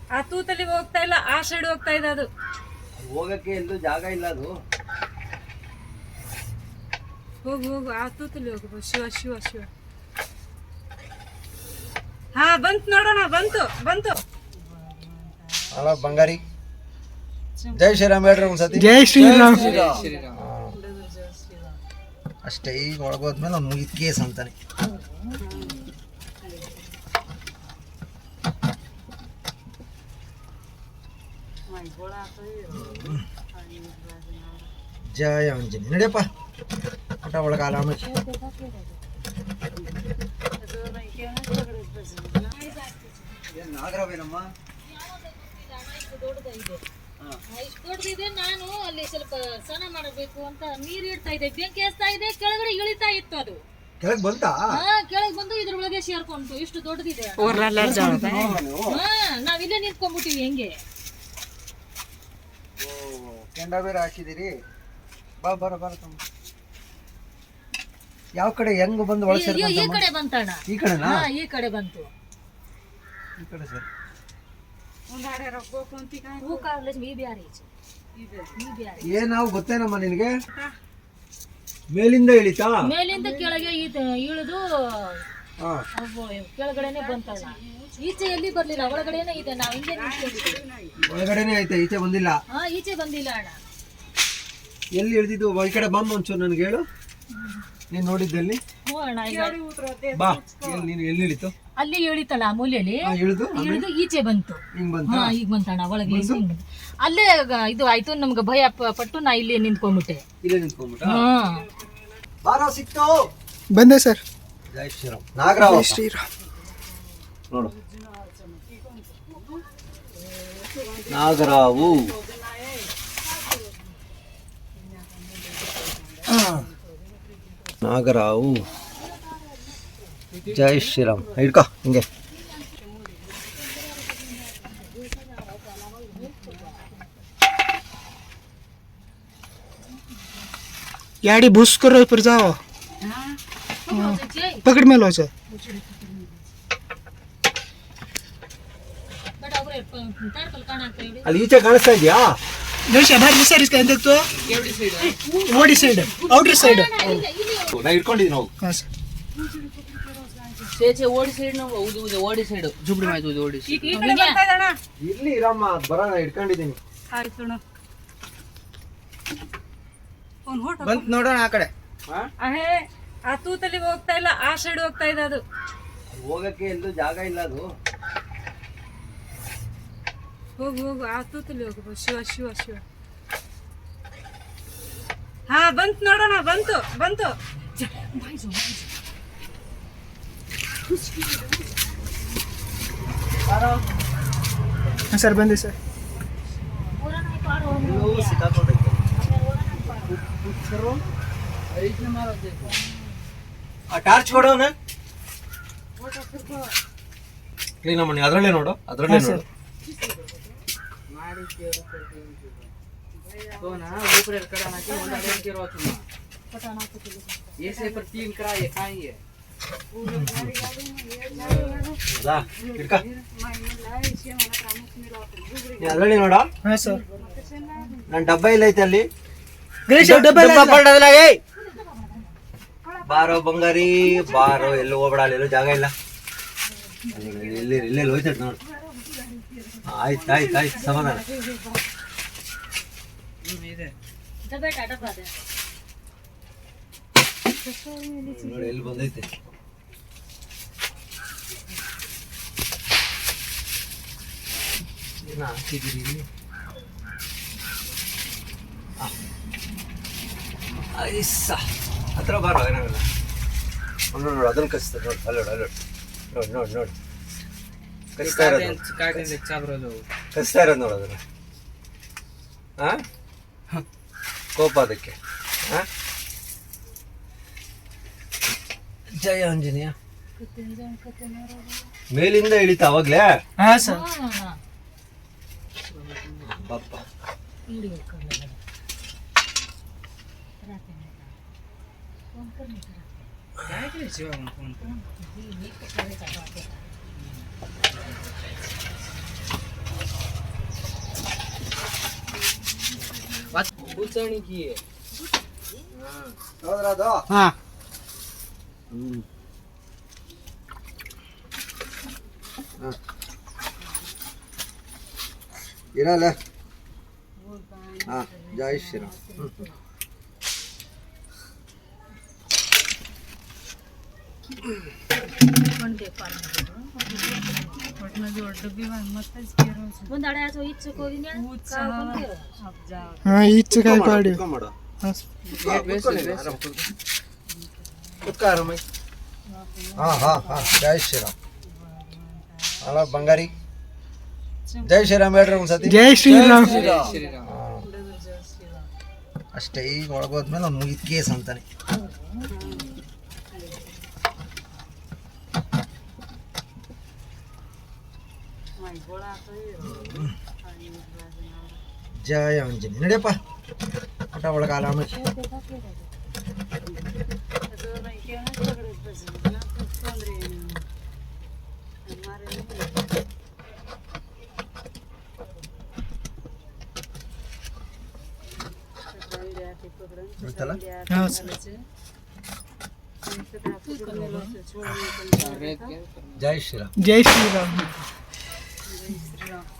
ಆ ತೂತಲ್ಲಿ ಹೋಗ್ತಾ ಇಲ್ಲ, ಆ ಸೈಡ್ ಹೋಗ್ತಾ ಇದೆ ಅದು. ಹೋಗಕ್ಕೆ ಎಲ್ಲೂ ಜಾಗ ಇಲ್ಲ ಅದು. ಹೋಗು ಹೋಗು, ಆ ತೂತಲ್ಲಿ ಹೋಗು. ಶಿವ ಶಿವ ಶಿವ. ಹಾ ಬಂತು ನೋಡೋಣ, ಬಂತು ಬಂತು. ಅಲ್ಲ ಬಂಗಾರಿ, ಜೈ ಶ್ರೀರಾಮ್ ಹೇಳ್ರಿ ಒಂದ್ಸತಿ. ಜೈ ಶ್ರೀರಾಮ್. ಅಷ್ಟೇ. ಈಗ ಒಳಗೋದ್ಮೇಲೆ ಅವ್ನು ಮುಗಿದ ಕೇಸ್ ಅಂತಾನೆ. ಜಯ ಆಂಜನೇಯ. ನಡಿಯಪ್ಪ ಊಟ ಒಳಗೆ ಆರಾಮ. ನಾಗರಾವೇನಮ್ಮ ಇಷ್ಟು ದೊಡ್ಡದಿದೆ. ನಾನು ಅಲ್ಲಿ ಸ್ವಲ್ಪ ಸ್ನಾನ ಮಾಡಬೇಕು ಅಂತ ನೀರು ಇಡ್ತಾ ಇದ್ದೆ, ಬೆಂಕಿ ಹಚ್ತಾ ಇದೆ, ಕೆಳಗಡೆ ಇಳಿತಾ ಇತ್ತು ಅದು. ಕೆಳಗೆ ಬಂತಾ? ಕೆಳಗೆ ಬಂದು ಇದ್ರೊಳಗೆ ಸೇರ್ಕೊಂತು. ಇಷ್ಟು ದೊಡ್ಡದಿದೆ. ನಾವಿಲ್ಲೇ ನಿಂತ್ಕೊಂಡ್ಬಿಟ್ಟಿವಿ ಹೆಂಗೆ. ಕೆಂಡ ಬೇರೆ ಹಾಕಿದಿರಿ. ಬಾ ಬರ ಬರ ತಮ್ಮ. ಯಾವ ಕಡೆ ಹೆಂಗ್ ಬಂದು ಒಳಗೆ ಈ ಕಡೆ ಬಂತಣ್ಣ. ಈ ಕಡೆನಾ? ಈ ಕಡೆ ಬಂತು. ಈ ಕಡೆ ಸರ್. ಏನಾವು ಗೊತ್ತೇನಮ್ಮ ನಿನಗೆ? ಮೇಲಿಂದ ಇಳಿತಾ? ಮೇಲಿಂದ ಕೆಳಗೆ ಇಳಿದು ಕೆಳಗಡೆನೆ ಬಂತಣ್ಣ. ಈಚೆ ಎಲ್ಲಿ ಬರ್ಲಿಲ್ಲ, ಒಳಗಡೆನೆ ಇದೆ. ನಾವ್ ಹಿಂಗೆ ನಿಂತ್ಕೊಂಡಿದ್ದೀವಿ. ಒಳಗಡೆನೆ ಐತೆ, ಈಚೆ ಬಂದಿಲ್ಲ. ಈಚೆ ಬಂದಿಲ್ಲ ಅಣ್ಣ. ಎಲ್ಲಿ ಇಳಿದಿದ್ದು? ಈ ಕಡೆ ಬಂದು ಒಂಚೂರು ನನಗೆ ಹೇಳು, ನೀನ್ ನೋಡಿದ್ದಲ್ಲಿ. ಬಾ, ನೀನು ಎಲ್ಲಿ ಇಳಿತು? ಅಲ್ಲಿ ಇಳಿತಲ್ಲ ಆ ಮೂಲೆಯಲ್ಲಿ ಇಳಿದು ಈಚೆ ಬಂತು. ಈಗ ಬಂತಣ್ಣ ಒಳಗೆ. ಅಲ್ಲೇ ಇದು ಆಯ್ತು, ನಮ್ಗೆ ಭಯ ಪಟ್ಟು ನಾ ಇಲ್ಲಿ ನಿಂತ್ಕೊಂಡ್ಬಿಟ್ಟೆ. ಇಲ್ಲೇ ನಿಂತ್ಕೊಂಡ್ಬಿಟ್ಟ. ಬಾರೋ ಸಿಕ್ತು. ಬಂದೆ ಸರ್. ಜೈ ಶ್ರೀರಾಮ್. ನಾಗರಾವ್ ಶ್ರೀರಾಮ್ ನೋಡು. ನಾಗರಾವು ನಾಗರಾವು. ಜೈ ಶ್ರೀರಾಮ್. ಹಿಡ್ಕೊ ಹಿಂಗೆ. गाड़ी भूस करो ऊपर जाओ. पकड़ में लो सर. ಅಲ್ಲಿ ಈಚೆ ಕಾಣಿಸ್ತಾ ಇದೆಯಾ? बाहर सर इसका देख तो ओडी साइड आउटर साइड. ನಾ ಇಟ್ಕೊಂಡಿದ್ದೀನಿ ನಾವು. हां सर. ಸೇಚೆ ಓಡಿ ಸೈಡ್ ನಾವು ಓಡಿ ಸೈಡ್ ಜುಬ್ಡಿ ಮಾಯ್ತು ಓಡಿ. ಈ ಕಡೆ ಬರ್ತಾ ಇದೆ ಅಣ್ಣ. ಇಲ್ಲಿ ಇರಮ್ಮ, ಬರೋಣ, ಇಟ್ಕೊಂಡಿದ್ದೀನಿ. ಆಯ್ತು ಅಣ್ಣ. ಅವ್ನು ಹೊರಟ ಬಂತು ನೋಡೋಣ ಆ ಕಡೆ. ಅಹೇ, ಆ ತೂತಲ್ಲಿ ಹೋಗ್ತಾ ಇಲ್ಲ, ಆ ಸೈಡ್ ಹೋಗ್ತಾ ಇದೆ ಅದು. ಹೋಗಕ್ಕೆ ಎಲ್ಲೂ ಜಾಗ ಇಲ್ಲ ಅದು. ಹೋಗು ಹೋಗು, ಆ ತೂತಲ್ಲಿ ಹೋಗು. ಶಿವ ಶಿವ ಶಿವ. ಹಾ ಬಂತು ನೋಡೋಣ, ಬಂತು ಬಂತು. हां सर बंदे सर. ಆ ಟಾರ್ಚ್ ಕೊಡೋಣ. ಕ್ಲೀನ್ ಮಾಡಿ ಅದರಲ್ಲೇ ನೋಡು, ಅದರಲ್ಲೇ ನೋಡು. तो ना ऊपर कड़ा ना कि होंडा देन के रोच में पटाना को ये से पर 3 करा ये खाई है. ಬಾ ಹಿಡ್ಕೊ. ನೀ ಅದರಲ್ಲೇ ನೋಡು. हां सर. ನನ್ನ ಡಬ್ಬ ಇಲ್ಲ ಐತೆ ಅಲ್ಲಿ. ಗಣೇಶ ಡಬ್ಬ ಪಡ್ಡದಲ್ಲ. ಏಯ್ ಬಾರೋ ಬಂಗಾರಿ ಬಾರೋ, ಎಲ್ಲೂ ಹೋಗ್ಬೇಡ, ಅಲ್ಲೆಲ್ಲೂ ಜಾಗ ಇಲ್ಲ. ಎಲ್ಲೆಲ್ಲಿ ಹೋಯ್ತೈತೆ ನೋಡು. ಆಯ್ತು ಆಯ್ತು ಆಯ್ತು, ಸಮಾಧಾನ. ನೋಡಿ ಎಲ್ಲಿ ಬಂದೈತೆ. ಏನ ಹಾಕಿದ್ದೀರಿ ಇಲ್ಲಿ? ಐಸ ಹತ್ರ ಬಾರೋ, ಏನಾಗಲ್ಲ. ನೋಡು ನೋಡು, ಅದನ್ನು ಕಚ್ತದೆ ನೋಡಿ. ಅಲ್ಲೋಡು ಅಲ್ಲೋಡು, ನೋಡಿ ನೋಡಿ ನೋಡಿ, ಕಚ್ತಾ ಇರೋದು, ಕಚ್ತಾ ಇರೋದು ನೋಡು ಅದನ್ನು. ಹಾಂ, ಕೋಪ ಅದಕ್ಕೆ. ಹಾಂ, ಜಯ ಆಂಜನೇಯ. ಮೇಲಿಂದ ಇಳಿತ ಅವಾಗ್ಲೇ. हां सर. ಪಾಪ ಉಚ್ಚಣಿಕೆ ಹೌದ್ರ ಅದು ಹಾ ಇರಲ್ಲ ಹಾ ಜೈ ಶ್ರೀರಾಮ್ ಹಾ ಈಚೆ काय पाडी ಮಾಡು ಹಾ ಹಾ ಹಾ ಜೈ ಶ್ರೀರಾಮ್ ಅಲ್ಲ ಬಂಗಾರಿ ಜೈ ಶ್ರೀರಾಮ್ ಹೇಳ್ರಿ ಒಂದ್ಸತಿ जय श्रीराम ಶ್ರೀರಾಮ್ ಅಷ್ಟೇ ಈಗ ಒಳಗೋದ್ಮೇಲೆ ಅವ್ನು ಮುಗಿದ ಕೇಸ್ ಅಂತಾನೆ ಜಯ ಆಂಜನೇಯ ನಡಿಯಪ್ಪ ಊಟ ಒಳಗೆ ಆರಾಮ ಗೊತ್ತಲ್ಲ हा सर ಜೈ ಶ್ರೀರಾಮ್ जय श्रीराम